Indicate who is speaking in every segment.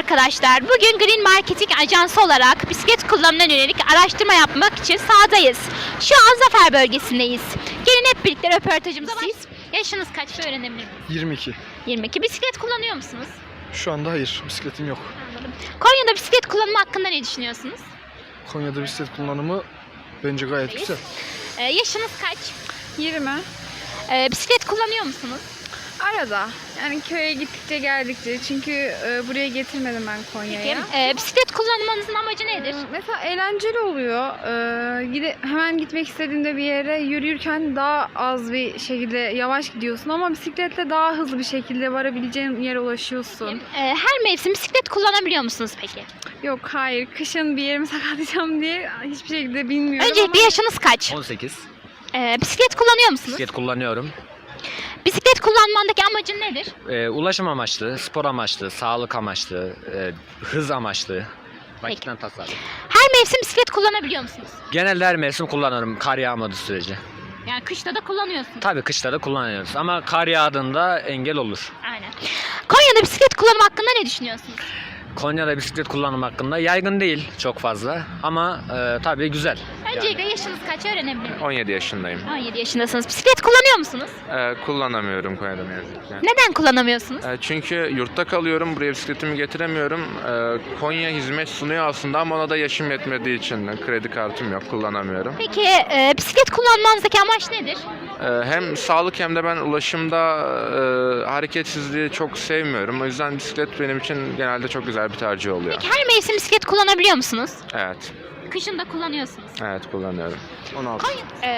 Speaker 1: arkadaşlar. Bugün Green Marketing Ajansı olarak bisiklet kullanımına yönelik araştırma yapmak için sahadayız. Şu an Zafer bölgesindeyiz. Gelin hep birlikte röportajımıza başlayalım. Yaşınız kaç öğrenebilir miyim?
Speaker 2: 22.
Speaker 1: 22. Bisiklet kullanıyor musunuz?
Speaker 2: Şu anda hayır, bisikletim yok.
Speaker 1: Anladım. Konya'da bisiklet kullanımı hakkında ne düşünüyorsunuz?
Speaker 2: Konya'da bisiklet kullanımı bence gayet
Speaker 1: Reis.
Speaker 2: güzel.
Speaker 1: Yaşınız kaç?
Speaker 3: 20.
Speaker 1: Bisiklet kullanıyor musunuz?
Speaker 3: Arada. Yani köye gittikçe geldikçe. Çünkü buraya getirmedim ben Konya'ya.
Speaker 1: Bisiklet kullanmanızın amacı nedir?
Speaker 3: Mesela eğlenceli oluyor. Hemen gitmek istediğimde bir yere yürürken daha az bir şekilde yavaş gidiyorsun ama bisikletle daha hızlı bir şekilde varabileceğin yere ulaşıyorsun.
Speaker 1: Her mevsim bisiklet kullanabiliyor musunuz peki?
Speaker 3: Yok, hayır. Kışın bir yerimi sakatlayacağım diye hiçbir şekilde bilmiyorum
Speaker 1: Öncelikle yaşınız kaç?
Speaker 4: 18.
Speaker 1: Bisiklet kullanıyor musunuz?
Speaker 4: Bisiklet kullanıyorum.
Speaker 1: Bisiklet kullanmandaki amacın nedir?
Speaker 4: Ulaşım amaçlı, spor amaçlı, sağlık amaçlı, hız amaçlı. Vakitten tasarruf.
Speaker 1: Her mevsim bisiklet kullanabiliyor musunuz?
Speaker 4: Genelde her mevsim kullanıyorum kar yağmadığı sürece.
Speaker 1: Yani kışta da kullanıyorsunuz.
Speaker 4: Tabii kışta da kullanıyoruz ama kar yağdığında engel olur.
Speaker 1: Aynen. Konya'da bisiklet kullanımı hakkında ne düşünüyorsunuz?
Speaker 4: Konya'da bisiklet kullanım hakkında yaygın değil çok fazla ama tabii güzel.
Speaker 1: Öncelikle yaşınız kaç öğrenebilir miyim?
Speaker 5: 17 yaşındayım.
Speaker 1: 17 yaşındasınız. Bisiklet kullanıyor musunuz?
Speaker 5: Kullanamıyorum Konya'da ne yazık ki.
Speaker 1: Neden kullanamıyorsunuz?
Speaker 5: Çünkü yurtta kalıyorum, buraya bisikletimi getiremiyorum. Konya hizmet sunuyor aslında ama ona da yaşım yetmediği için kredi kartım yok, kullanamıyorum.
Speaker 1: Peki bisiklet kullanmanızdaki amaç nedir?
Speaker 5: Hem sağlık hem de ben ulaşımda hareketsizliği çok sevmiyorum. O yüzden bisiklet benim için genelde çok güzel bir tercih oluyor.
Speaker 1: Peki her mevsim bisiklet kullanabiliyor musunuz?
Speaker 5: Evet,
Speaker 1: Kışın da kullanıyorsunuz.
Speaker 5: evet kullanıyorum.
Speaker 6: 16.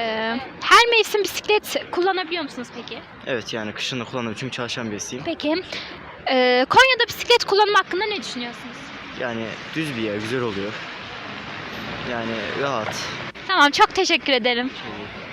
Speaker 1: Her mevsim bisiklet kullanabiliyor musunuz peki?
Speaker 6: Evet, yani kışın da kullanıyorum çünkü çalışan birisiyim.
Speaker 1: Peki Konya'da bisiklet kullanımı hakkında ne düşünüyorsunuz?
Speaker 6: Yani düz bir yer, güzel oluyor. Yani rahat.
Speaker 1: Tamam, çok teşekkür ederim.